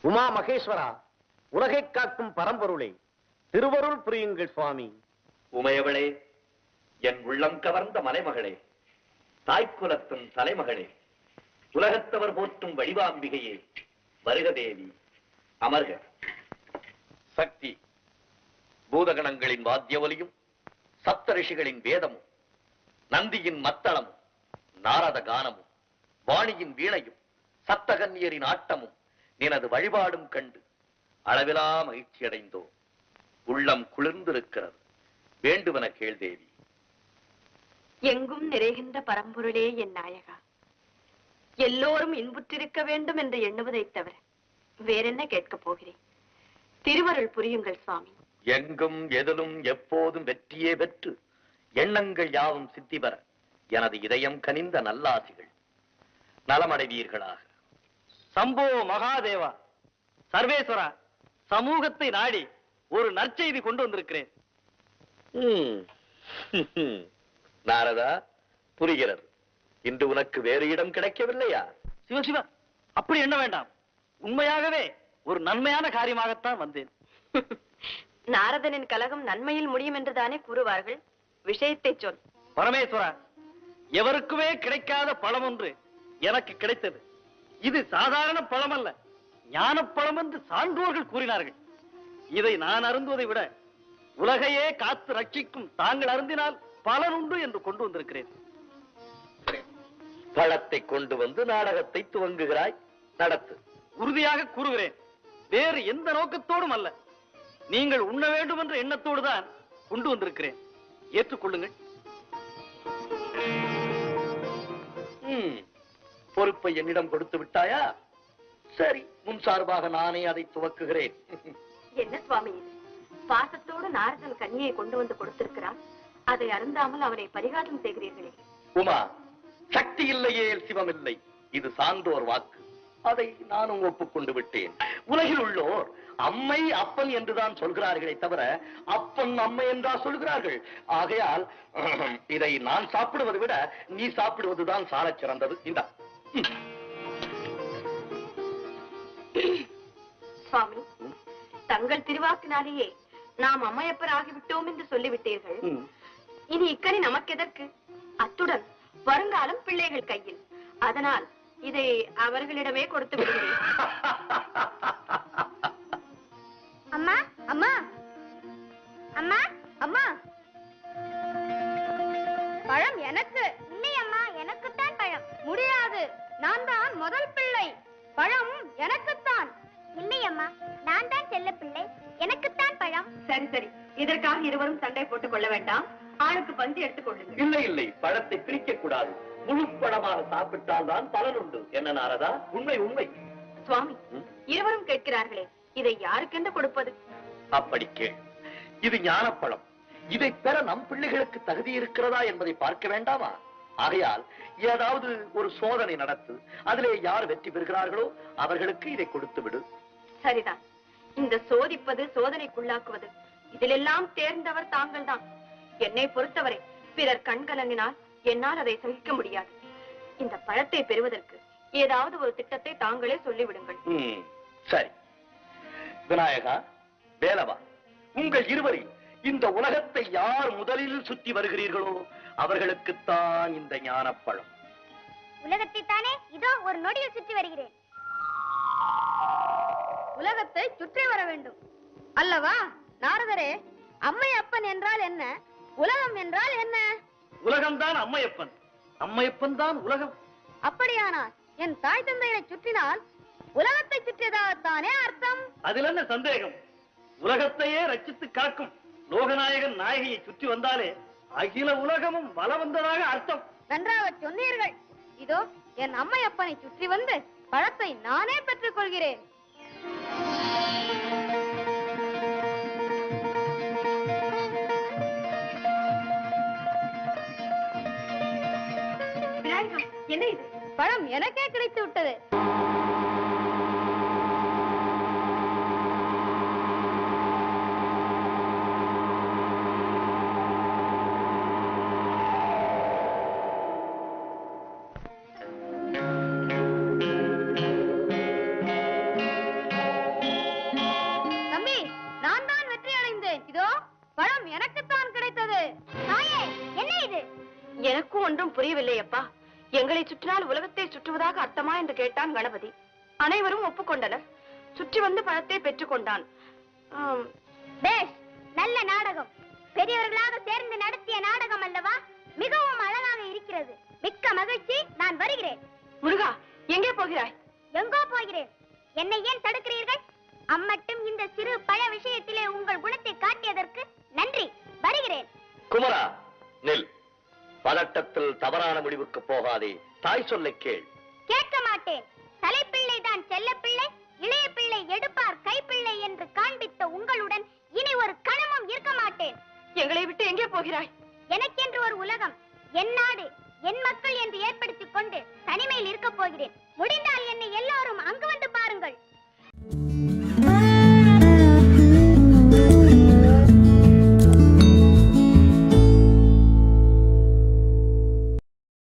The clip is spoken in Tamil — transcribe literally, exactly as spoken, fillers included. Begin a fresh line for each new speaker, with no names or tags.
உமா மகேஸ்வரா, உலகை காக்கும் பரம்பொருளே, திருவருள் புரியுங்கள் சுவாமி.
உமையவளே, என் உள்ளம் கவர்ந்த மலைமகளே, தாய்க்குலத்தும் தலைமகளே, உலகத்தவர் போற்றும் வடிவாம்பிகையே, வருக தேவி, அமர்க. சக்தி, பூதகணங்களின் வாத்திய ஒலியும், சப்த ரிஷிகளின் வேதமும், நந்தியின் மத்தளமும், நாரத கானமும், வாணியின் வீணையும், சப்தகன்னியரின் ஆட்டமும், நினது வழிபாடும் கண்டு அளவிலா மகிழ்ச்சி அடைந்தோம். உள்ளம் குளிர்ந்திருக்கிறது. வேண்டுவன கேள் தேவி.
எங்கும் நிறைகின்ற பரம்பொருளே என் நாயகா, எல்லோரும் இன்புற்றிருக்க வேண்டும் என்று எண்ணுவதைத் தவிர வேறென்ன கேட்கப் போகிறேன்? திருவருள் புரியுங்கள் சுவாமி.
எங்கும் எதிலும் எப்போதும் வெற்றியே பெற்று எண்ணங்கள் யாவும் சித்தி பெற எனது இதயம் கனிந்த நல்லாசிகள். நலமடைவீர்களாக.
சம்போ மகாதேவா, சர்வேஸ்வரா, சமூகத்தை நாடி ஒரு நற்செய்தி கொண்டு வந்திருக்கிறேன்.
நாரதா, புரிகிறது. இன்று உனக்கு வேறு இடம் கிடைக்கவில்லையா?
சிவசிவா, அப்படி எண்ண வேண்டாம். உண்மையாகவே ஒரு நன்மையான காரியமாகத்தான் வந்தேன்.
நாரதனின் கலகம் நன்மையில் முடியும் என்றுதானே கூறுவார்கள். விஷயத்தை சொல்.
பரமேஸ்வரா, எவருக்குமே கிடைக்காத பழம் ஒன்று எனக்கு கிடைத்தது. இது சாதாரண பழம் அல்ல, ஞான பழம் என்று சான்றோர்கள் கூறினார்கள். இதை நான் அருந்துவதை விட உலகையே காத்து ரட்சிக்கும் தாங்கள் அருந்தினால் பலன் உண்டு என்று கொண்டு வந்திருக்கிறேன்.
பழத்தை கொண்டு வந்து நாடகத்தை துவங்குகிறாய். நடத்து.
உறுதியாக கூறுகிறேன், வேறு எந்த நோக்கத்தோடும் அல்ல. நீங்கள் உண்ண வேண்டும் என்ற எண்ணத்தோடு தான் கொண்டு வந்திருக்கிறேன். ஏற்றுக்கொள்ளுங்கள்.
பொறுப்பை என்னிடம் கொடுத்து விட்டாயா? சரி, முன் சார்பாக நானே அதை துவக்குகிறேன்.
என்ன சுவாமி இது? பாசத்தோடு நாரதன் கன்னியை கொண்டு வந்து கொடுத்திருக்கிறான். அதை அருந்தாமல் அவனை பரிகாரம் செய்கிறீர்களே.
உமா, சக்தி இல்லையே சிவம் இல்லை. இது சான்றோர் வாக்கு. அதை நானும் ஒப்புக்கொண்டு விட்டேன். உலகில் உள்ளோர் அம்மை அப்பன் என்றுதான் சொல்கிறார்களே தவிர அப்பன் அம்மை என்றா சொல்கிறார்கள். ஆகையால் இதை நான் சாப்பிடுவதை விட நீ சாப்பிடுவதுதான் சாலச் சிறந்தது. இந்த
சுவாமி, தங்கள் திருவாக்கினாலேயே நாம் அம்மையப்பர் ஆகிவிட்டோம் என்று சொல்லிவிட்டீர்கள். இனி இக்கனி நமக்கு எதற்கு? அத்துடன் வருங்காலம் பிள்ளைகள் கையில். அதனால் இதை அவர்களிடமே கொடுத்து விடுகிறேன்.
அம்மா அம்மா அம்மா அம்மா, பழம் எனக்கு இல்லை. அம்மா, எனக்குத்தான் பழம். முடியாது, நான் தான் முதல் பிள்ளை. பழம் எனக்குத்தான். இல்லை அம்மா, நான் தான் செல்ல பிள்ளை, எனக்குத்தான் பழம்.
சரி சரி, இதற்காக இருவரும் சண்டை போட்டுக் கொள்ள வேண்டாம். ஆளுக்கு பந்தி எடுத்துக் கொள்ளுங்கள்.
இல்லை இல்லை, பழத்தை பிரிக்க கூடாது. முழு பழமாக சாப்பிட்டால் தான் பலன் உண்டு. என்ன நாரதா? உண்மை உண்மை.
சுவாமி, இருவரும் கேட்கிறார்களே, இதை யாருக்கென்று கொடுப்பது?
அப்படி கேள். இது ஞானப்பழம். இதை பெற நம் பிள்ளைகளுக்கு தகுதி இருக்கிறதா என்பதை பார்க்க வேண்டாமா? ஆகையால் ஏதாவது ஒரு சோதனை நடத்து. அதிலே யார் வெற்றி பெறுகிறார்களோ அவர்களுக்கு இதை கொடுத்து விடு.
சரிதான். இந்த சோதிப்பது, சோதனைக்குள்ளாக்குவது, இதிலெல்லாம் தேர்ந்தவர் தாங்கள் தான். என்னை பொறுத்தவரை பிறர் கண்கலங்கினால் என்னால் அதை சகிக்க முடியாது. இந்த பழத்தை பெறுவதற்கு ஏதாவது ஒரு திட்டத்தை தாங்களே சொல்லிவிடுங்கள்.
சரி. விநாயகா, வேலவா, உங்கள் இருவரில் இந்த உலகத்தை யார் முதலில் சுற்றி வருகிறீர்களோ அவர்களுக்குத்தான் இந்த ஞானப்பழம்.
உலகத்தை தானே இதோ ஒரு நொடியில் சுற்றி வருகிறேன்.
உலகத்தை சுற்றி வர வேண்டும் அல்லவா நாரதரே? அம்மை அப்பன் என்றால் என்ன? உலகம் என்றால் என்ன?
உலகம்தான் அம்மையப்பன், அம்மையப்பன் தான் உலகம்.
அப்படியானால் என் தாய் தந்தையை சுற்றினால் உலகத்தை சுற்றியதாகத்தானே அர்த்தம்?
அதில் என்ன சந்தேகம்? உலகத்தையே ரட்சித்து காக்கும் லோகநாயகன் நாயகியை சுற்றி வந்தாலே அகில உலகமும் வல வந்ததாக அர்த்தம்.
நன்றாக சொன்னீர்கள். இதோ என் அம்மையப்பனை சுற்றி வந்து பழத்தை நானே பெற்றுக் கொள்கிறேன். என்ன இது? பழம் எனக்கே கிடைத்து விட்டது.
பார்த்தேன். இதோ பழம் எனக்குத்தான் கிடைத்தது. தாயே, என்ன இது?
எனக்கும் ஒன்றும் புரியவில்லை அப்பா. எங்களை சுற்றினால் உலகத்தை சுற்றுவதாக அர்த்தமா என்று கேட்டான் கணபதி. அனைவரும் ஒப்புக்கொண்டனர். சுற்றி வந்து பழத்தை பெற்றுக் கொண்டான். ஆம்,
பேஷ், நல்ல நாடகம். பெரியவர்களாக சேர்ந்து நடத்திய நாடகம் அல்லவா? மிகவும் அழகாக இருக்கிறது. மிக்க மகிழ்ச்சி. நான் வருகிறேன்.
முருகா, எங்கே போகிறாய்?
எங்கோ போகிறேன். என்னை ஏன் தடுக்கிறீர்கள்? அம்மட்டும் இந்த சிறு பழ விஷயத்திலே உங்கள் குணத்தை காட்டியதற்கு நன்றி. வருகிறேன்.
குமரா, நில். பதட்டத்தில் தவறான முடிவுக்கு போகாதே. தாய் சொல்லை கேள்.
கேட்க மாட்டேன். தலைப்பிள்ளை தான் செல்ல பிள்ளை, இளைய பிள்ளை எடுப்பார் கைப்பிள்ளை என்று காண்பித்த உங்களுடன் இனி ஒரு கணமும் இருக்க மாட்டேன்.
எங்களை விட்டு எங்கே போகிறாய்?
எனக்கென்று ஒரு உலகம், என்னால்